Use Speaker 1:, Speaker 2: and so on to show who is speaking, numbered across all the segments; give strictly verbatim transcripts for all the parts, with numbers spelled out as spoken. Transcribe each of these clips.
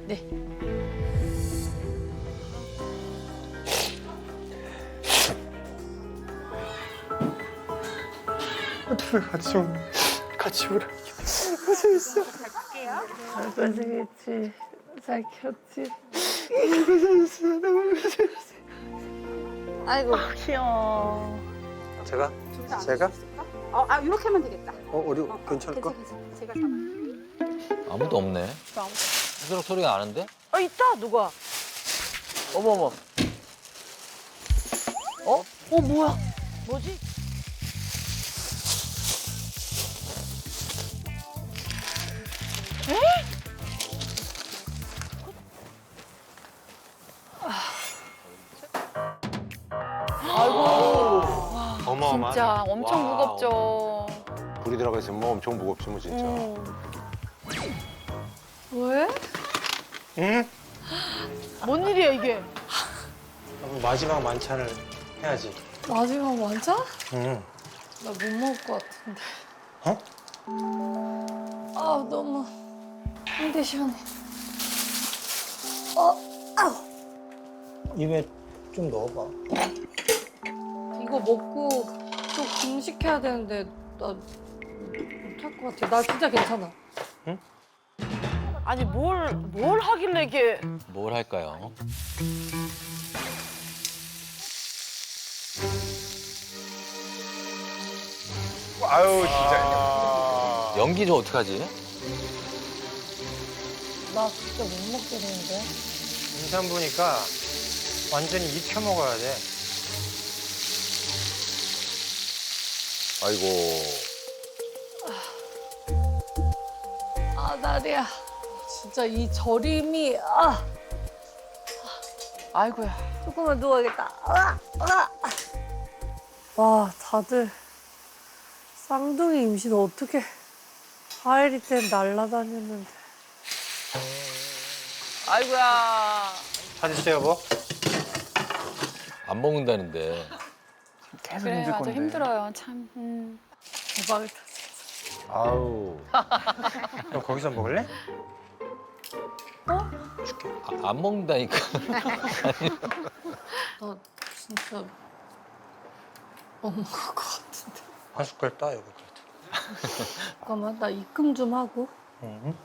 Speaker 1: 네.
Speaker 2: 둘 같이 오 같이 오라. 고생했어.
Speaker 3: 잘 고생했지. 잘 켰지.
Speaker 2: 너무 고생했어. 너무 고생했어.
Speaker 1: 아이고.
Speaker 3: 아, 귀여워.
Speaker 2: 제가 제가
Speaker 4: 어, 아 이렇게 하면 되겠다.
Speaker 2: 어 우리
Speaker 4: 어,
Speaker 2: 괜찮을까?
Speaker 4: 괜찮아, 괜찮아. 제가 잡아.
Speaker 5: 아무도 없네. 스스로 소리가 나는데?
Speaker 3: 어, 있다, 누가. 어머, 어머. 어? 어, 뭐야? 뭐지?
Speaker 2: 어마어마.
Speaker 1: 진짜 엄청
Speaker 5: 와.
Speaker 1: 무겁죠.
Speaker 6: 불이 들어가 있으면 뭐 엄청 무겁지 뭐 진짜.
Speaker 1: 왜?
Speaker 2: 응?
Speaker 3: 뭔 일이야, 이게?
Speaker 2: 마지막 만찬을 해야지.
Speaker 1: 마지막 완자?
Speaker 2: 응.
Speaker 1: 나 못 먹을 것 같은데.
Speaker 2: 어?
Speaker 1: 아 너무 힘들 시원해. 어, 아우.
Speaker 2: 입에 좀 넣어봐.
Speaker 1: 이거 먹고 또 금식해야 되는데 나 못할 것 같아. 나 진짜 괜찮아.
Speaker 3: 아니, 뭘, 뭘 하길래 이게.
Speaker 5: 뭘 할까요?
Speaker 2: 아유 진짜.
Speaker 5: 연기 좀 어떡하지?
Speaker 1: 나 진짜 못 먹겠는데.
Speaker 2: 인삼 보니까 완전히 익혀 먹어야 돼.
Speaker 6: 아이고.
Speaker 1: 아 나리야. 진짜 이 저림이 아
Speaker 3: 아이고야.
Speaker 1: 조금만 누워야겠다. 아, 아. 와 다들 쌍둥이 임신 어떻게 하엘이 땐 날라다녔는데.
Speaker 3: 아이고야.
Speaker 2: 찾으세요 여보.
Speaker 5: 안 먹는다는데.
Speaker 2: 계속
Speaker 1: 그래 맞아 힘들어요 참. 음. 대박이다.
Speaker 6: 아우.
Speaker 2: 너 거기서 먹을래?
Speaker 5: 아, 안 먹는다니까.
Speaker 1: 나 진짜 못 먹을 것 같은데.
Speaker 2: 한 숟갈 따 여보 그래도.
Speaker 1: 잠깐만 나 입금 좀 하고.
Speaker 2: 응.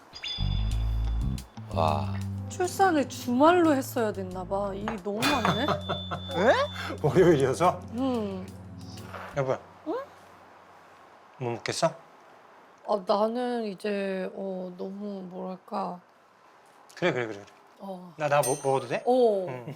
Speaker 5: 와.
Speaker 1: 출산을 주말로 했어야 됐나 봐. 일이 너무 많네.
Speaker 2: 월요일이어서.
Speaker 1: 음.
Speaker 2: 여보야. 응? 못 먹겠어?
Speaker 1: 아 나는 이제 어 너무 뭐랄까.
Speaker 2: 그래 그래 그래. 그래.
Speaker 1: 어.
Speaker 2: 나 나 먹어도 돼?
Speaker 1: 어.
Speaker 2: 응.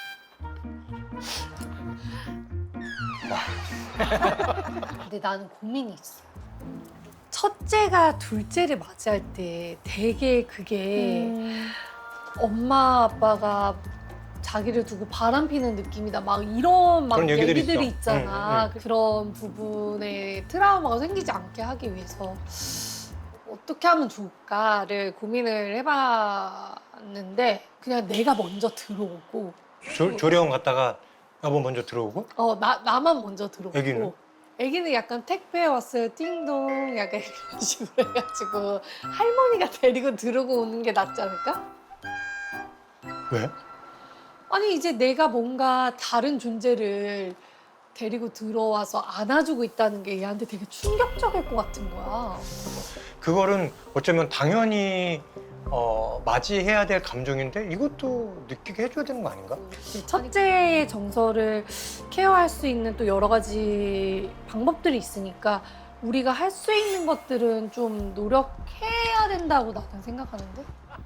Speaker 1: 근데 나는 고민이 있어. 첫째가 둘째를 맞이할 때 되게 그게
Speaker 3: 음.
Speaker 1: 엄마 아빠가 자기를 두고 바람 피는 느낌이다 막 이런 막
Speaker 2: 그런 얘기들이
Speaker 1: 얘기들이
Speaker 2: 있어.
Speaker 1: 있잖아.
Speaker 2: 응, 응,
Speaker 1: 그런 부분에 트라우마가 생기지 않게 하기 위해서 어떻게 하면 좋을까를 고민을 해봤는데 그냥 내가 먼저 들어오고
Speaker 2: 조, 조령 갔다가 여보 먼저 들어오고.
Speaker 1: 어 나 나만 먼저 들어오고
Speaker 2: 애기는?
Speaker 1: 애기는 약간 택배 왔어요 띵동 약간 이런 식으로 해가지고 할머니가 데리고 들어오고 오는 게 낫지 않을까?
Speaker 2: 왜?
Speaker 1: 아니 이제 내가 뭔가 다른 존재를 데리고 들어와서 안아주고 있다는 게 얘한테 되게 충격적일 것 같은 거야.
Speaker 2: 그거는 어쩌면 당연히 어, 맞이해야 될 감정인데 이것도 느끼게 해줘야 되는 거 아닌가?
Speaker 1: 첫째의 정서를 케어할 수 있는 또 여러 가지 방법들이 있으니까 우리가 할 수 있는 것들은 좀 노력해야 된다고 나는 생각하는데.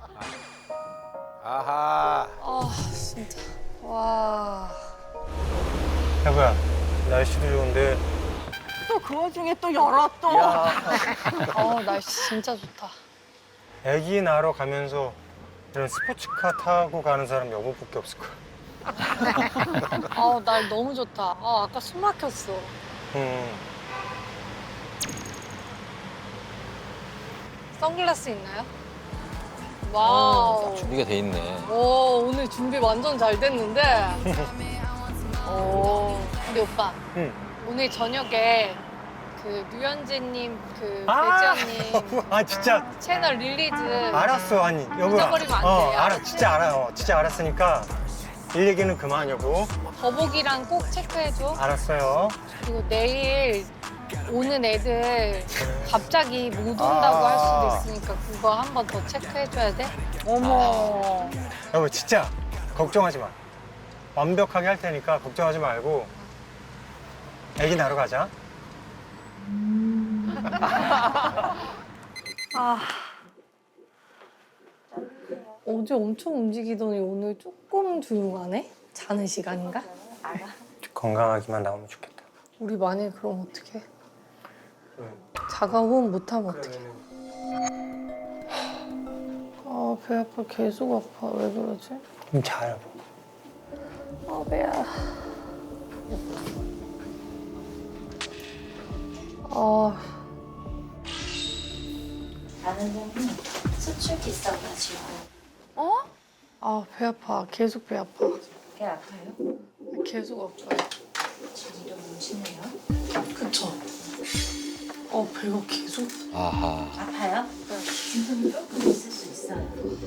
Speaker 6: 아하.
Speaker 1: 아 진짜 와.
Speaker 2: 여보야 날씨도 좋은데
Speaker 3: 또 그 와중에 또 열어, 또.
Speaker 1: 어 날씨 진짜 좋다.
Speaker 2: 애기 낳으러 가면서 이런 스포츠카 타고 가는 사람 여보밖에 없을 거야.
Speaker 1: 아날 너무 좋다. 아 아까 숨 막혔어.
Speaker 2: 음.
Speaker 1: 선글라스 있나요? 와우.
Speaker 5: 준비가 돼 있네.
Speaker 1: 오 오늘 준비 완전 잘 됐는데. 오 근데 오빠
Speaker 2: 응.
Speaker 1: 오늘 저녁에 그 류현진님 그
Speaker 2: 아!
Speaker 1: 배지연님
Speaker 2: 아 진짜
Speaker 1: 채널 릴리즈
Speaker 2: 알았어 아니 여보.
Speaker 1: 잊어버리면 안
Speaker 2: 어
Speaker 1: 돼요.
Speaker 2: 알아 진짜 알아요. 진짜 알았으니까 일 얘기는 그만 여보.
Speaker 1: 더보기랑 꼭 체크해줘.
Speaker 2: 알았어요.
Speaker 1: 그리고 내일 오는 애들 갑자기 못 온다고
Speaker 2: 아.
Speaker 1: 할 수도 있으니까 그거 한 번 더 체크해줘야 돼.
Speaker 3: 어머.
Speaker 2: 여보 진짜 걱정하지 마. 완벽하게 할 테니까 걱정하지 말고 애기 낳으러 가자.
Speaker 1: 아. 어제 엄청 움직이더니 오늘 조금 조용하네? 자는 시간인가?
Speaker 2: 건강하기만 나오면 좋겠다.
Speaker 1: 우리 만약에 그럼 어떡해? 자가호흡 못하면 어떡해? 아, 배 아파. 계속 아파. 왜 그러지?
Speaker 2: 좀 자, 여보.
Speaker 1: 아, 배야. 아,
Speaker 7: 아는 점이 수축이 있어가지고
Speaker 1: 아, 배 아파. 계속 배 아파.
Speaker 7: 배 아파요?
Speaker 1: 계속 아파요.
Speaker 7: 지금 좀 심해요?
Speaker 1: 그쵸? 어, 배가 계속.
Speaker 5: 아하.
Speaker 7: 아파요? 지금 조금 있을 수 있어요.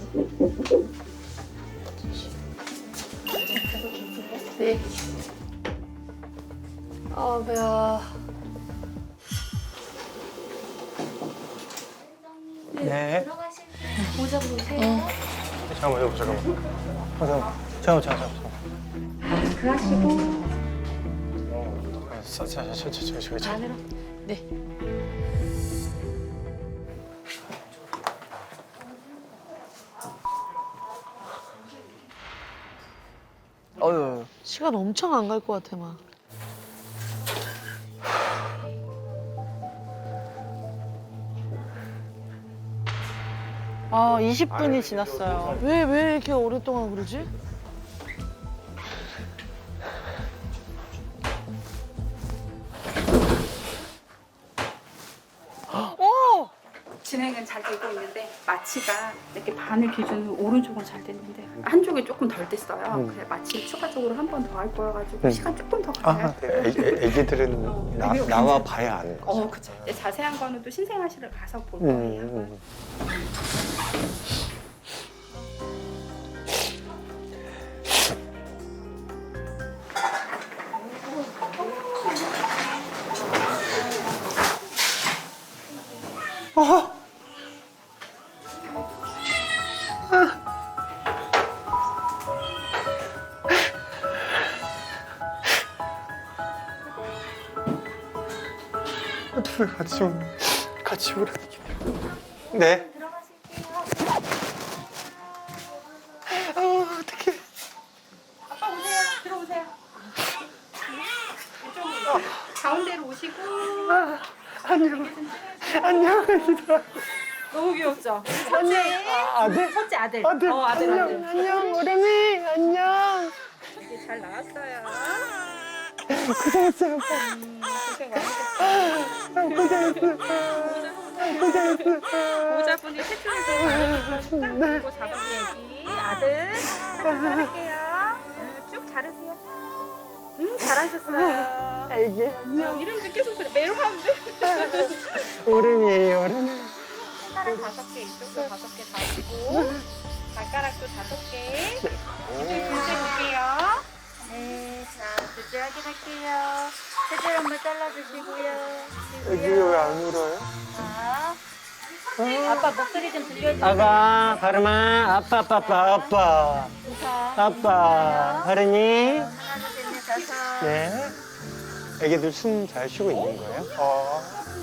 Speaker 1: 네. 아, 배야.
Speaker 2: 네.
Speaker 7: 모자 보세요.
Speaker 2: 잠깐만, 여보, 잠깐만. 어, 잠깐만. 잠깐만, 잠깐만. 잠깐만.
Speaker 7: 그 하시고
Speaker 2: 어, 자, 자, 자, 자, 자, 자, 자.
Speaker 7: 안으로.
Speaker 1: 네.
Speaker 3: 어휴. 시간 엄청 안 갈 것 같아 막. 아, 이십 분이 지났어요. 왜, 왜 이렇게 오랫동안 그러지? 오!
Speaker 4: 진행은 잘 되고 있는데 마취가 이렇게 바늘 기준으로 오른쪽은 잘 됐는데 한쪽이 조금 덜 됐어요. 그래서 마취 추가적으로 한 번 더 할 거여가지고
Speaker 2: 음.
Speaker 4: 시간 조금 더
Speaker 2: 아,
Speaker 4: 가요.
Speaker 2: 애, 애, 애기들은 나, 나와 봐야 아는 거지.
Speaker 4: 어, 그쵸. 근데 자세한 거는 또 신생아실을 가서 볼
Speaker 2: 음,
Speaker 4: 거예요.
Speaker 2: 음. 어떻게 같이 좀 같이 오라. 네. 어, 어떡해.
Speaker 4: 아빠 오세요. 들어오세요. 이쪽으로 가운데로 오시고.
Speaker 2: 안녕. 안녕.
Speaker 4: 너무 귀엽죠? 첫째.
Speaker 2: 아, 네.
Speaker 4: 첫째 아들.
Speaker 2: 아들.
Speaker 4: 어, 아들,
Speaker 2: 안녕.
Speaker 4: 아들.
Speaker 2: 안녕. 오래미. 안녕.
Speaker 4: 이제 잘 나왔어요.
Speaker 2: 고생했어요.
Speaker 4: 음, 고생 많으셨어요.
Speaker 2: 고생했어. 고생했어.
Speaker 4: 모자분이 세팅해서 딱 들고 잡아줘야지. 아들. 잘할게요. 쭉 자르세요. 음, 잘하셨어요.
Speaker 2: 애기.
Speaker 4: 안녕. 이름도 계속 그래. 매로 하면 돼.
Speaker 2: 오래미예요. 오래미.
Speaker 4: 손가락 다섯 개, 이쪽도 다섯 개 다시고 발가락도 다섯 개. 이제 둘째 볼게요. 네, 자, 둘째 확인할게요. 셋째 한번 잘라주시고요.
Speaker 2: 애기 왜 안 울어요?
Speaker 4: 자, 아빠 목소리 좀 들려주세요.
Speaker 2: 아빠, 바르마, 아빠, 아빠, 아빠, 아빠, 아빠, 바르니.
Speaker 4: 하나, 둘, 셋, 넷, 다섯.
Speaker 2: 네. 애기들 숨 잘 쉬고 있는 거예요? 어.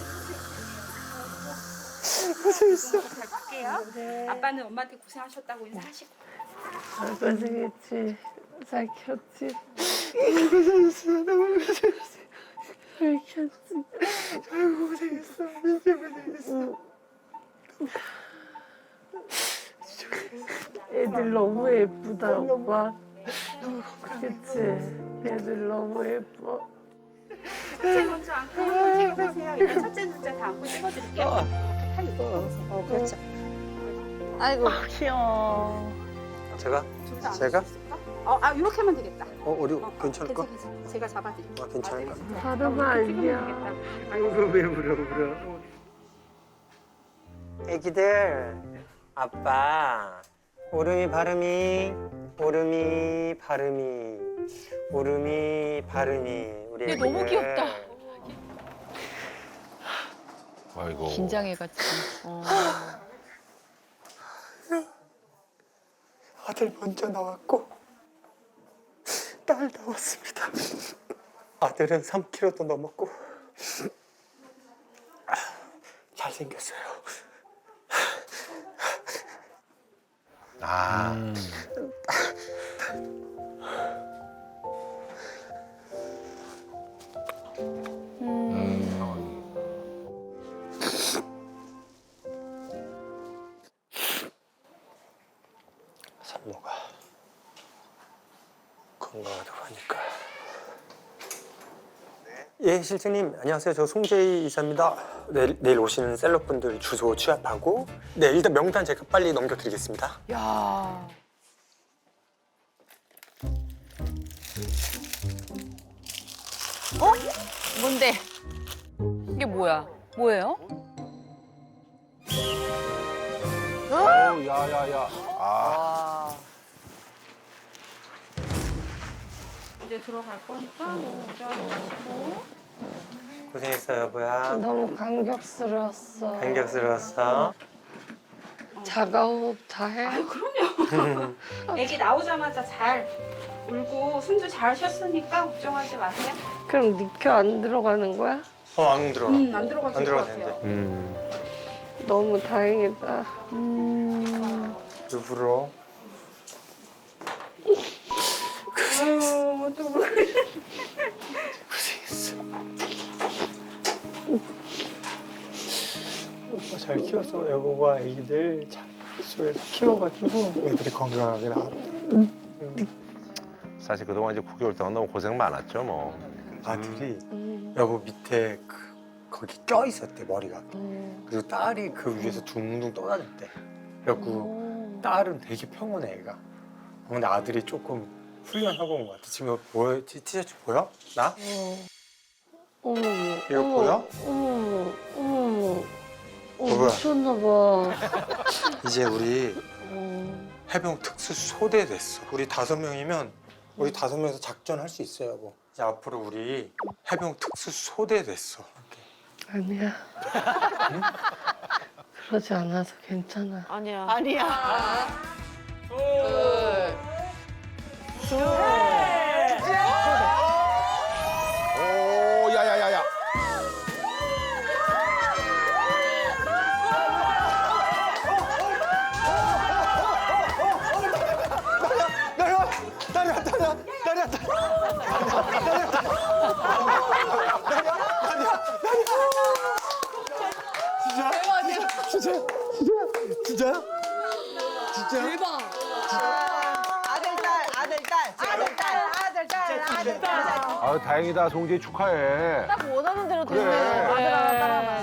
Speaker 2: 고생했어.
Speaker 4: 잘 볼게요. 아빠는 엄마한테 고생하셨다고 인사하시고.
Speaker 1: 고생했지. 잘 키웠지.
Speaker 2: 고생했어. 너무 고생했어.
Speaker 1: 잘 키웠지.
Speaker 2: 아이고, 고생했어. 진짜 고생했어.
Speaker 1: 애들 너무 예쁘다, 오빠. 그치? 애들 너무 예뻐.
Speaker 4: 첫째 먼저 안고 한번 찍어보세요. 일단 첫째, 둘째 다 안고 찍어드릴게요. 팔 입고 보세요.
Speaker 3: 어, 그렇죠. 아이고, 귀여워.
Speaker 2: 제가?
Speaker 4: 둘다
Speaker 2: 제가?
Speaker 4: 안고 어, 아 이렇게 하면 되겠다.
Speaker 2: 어, 우리
Speaker 4: 어,
Speaker 2: 괜찮을까?
Speaker 4: 괜찮, 괜찮. 제가 잡아드릴게요.
Speaker 2: 아, 괜찮을까?
Speaker 1: 다름아 아니야.
Speaker 2: 아이고, 왜 울어, 울어. 애기들, 아빠. 오름이 바름이, 오름이 바름이, 오름이 바름이. 우리
Speaker 1: 얘 너무
Speaker 2: 애기들.
Speaker 1: 귀엽다.
Speaker 5: 아이고.
Speaker 3: 긴장해가지고. 어.
Speaker 2: 아들 먼저 나왔고 딸 나왔습니다. 아들은 삼 킬로그램도 넘었고 잘생겼어요.
Speaker 6: 아.
Speaker 2: 산모가 건강하다고 하니까. 예, 실장님 안녕하세요. 저 송재희 이사입니다. 내일, 내일 오시는 셀럽분들 주소 취합하고 네, 일단 명단 제가 빨리 넘겨드리겠습니다.
Speaker 3: 야. 어? 뭔데? 이게 뭐야? 뭐예요?
Speaker 6: 어, 야야야. 아.
Speaker 3: 와.
Speaker 4: 이제 들어갈 거니까 모자 주시고.
Speaker 2: 고생했어 여보야.
Speaker 1: 너무 감격스러웠어.
Speaker 2: 감격스러웠어.
Speaker 1: 자가 호흡 다 해.
Speaker 4: 애기 나오자마자 잘 울고 숨도 잘 쉬었으니까 걱정하지 마세요.
Speaker 1: 그럼 니켜 안 들어가는 거야?
Speaker 2: 어, 안 들어가.
Speaker 4: 음, 안 들어가실
Speaker 2: 안
Speaker 4: 것
Speaker 2: 들어가도
Speaker 4: 같아요.
Speaker 2: 되는데.
Speaker 6: 음.
Speaker 1: 너무 다행이다. 음.
Speaker 2: 일부러.
Speaker 4: 아유, 또
Speaker 2: 고생했어. 오빠 잘 키워서 여보가 애기들 잘 수에서 키워가지고 애들이 건강하게 나왔다.
Speaker 6: 사실 그동안 이제 구 개월 동안 너무 고생 많았죠, 뭐.
Speaker 2: 아들이
Speaker 1: 음.
Speaker 2: 여보 밑에 그 거기 껴 있었대 머리가.
Speaker 1: 음.
Speaker 2: 그리고 딸이 그 위에서 둥둥 떠다녔대. 그래갖고
Speaker 1: 음.
Speaker 2: 딸은 되게 평온해 애가. 근데 아들이 조금 훈련하고 온 것 같아. 지금 보여? 티- 티셔츠 보여? 나?
Speaker 1: 어. 어머.
Speaker 2: 이거
Speaker 1: 어머,
Speaker 2: 보여?
Speaker 1: 어머. 어머. 어,
Speaker 2: 뭐야?
Speaker 1: 미쳤나 봐.
Speaker 2: 이제 우리
Speaker 1: 어.
Speaker 2: 해병 특수 소대 됐어. 우리 다섯 명이면 우리 다섯 명에서 작전할 수 있어요, 여보. 이제 앞으로 우리 해병 특수 소대 됐어.
Speaker 1: 아니야. 그러지 않아서 괜찮아.
Speaker 3: 아니야.
Speaker 8: 아니야.
Speaker 6: 오, 야야야야.
Speaker 2: 나려, 나려, 나려, 나려, 진짜, 진짜, 진짜.
Speaker 1: 대박.
Speaker 8: 아들, 딸, 아들, 딸, 아들, 딸, 아들, 딸, 아들, 딸.
Speaker 6: 아, 다행이다. 송재희 축하해.
Speaker 3: 딱 원하는 대로
Speaker 6: 그래.
Speaker 3: 됐네. 아들 하나, 딸 하나.